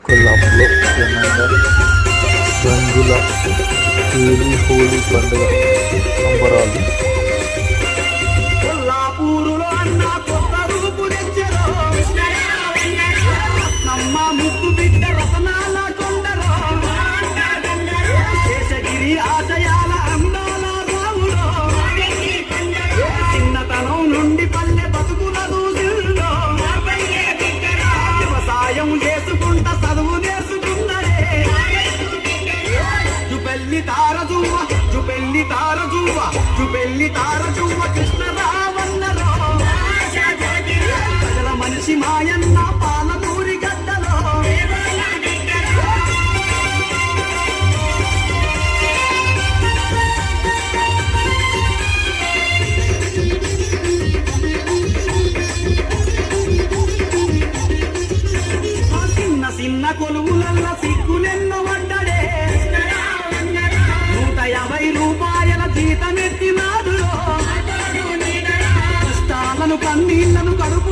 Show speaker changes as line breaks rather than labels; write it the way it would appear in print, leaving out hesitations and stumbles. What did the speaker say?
కొల్లాపులో ఘనంగా రంగుల హోలీ పండుగ సంబరాలు.
కొల్లాపూరులో అన్న కొత్త రూపు తెచ్చరో నమ్మ ముక్కు బిడ్డ రతనాల కొండరో శేషగిరి ఆశయాల అందాల రావులో చిన్నతనం నుండి పల్లె బతుకుల దూసిల్లో వ్యవసాయం చేసుకుంటా చదువు నేర్చుకున్నదే జుబెల్లి తారజువ్వ జుబెల్లి తారజువ్వ జుబెల్లి తారజువ్వ కృష్ణరావన్నరో ప్రజల మనిషి మాయన్న పాలమూరి గడ్డలో చిన్న చిన్న కొలువులల్ల సిగ్గులెన్నో వడ్డడే 150 రూపాయల జీతమెత్తినాడులో కష్టాలను కన్నీళ్లను కడుపు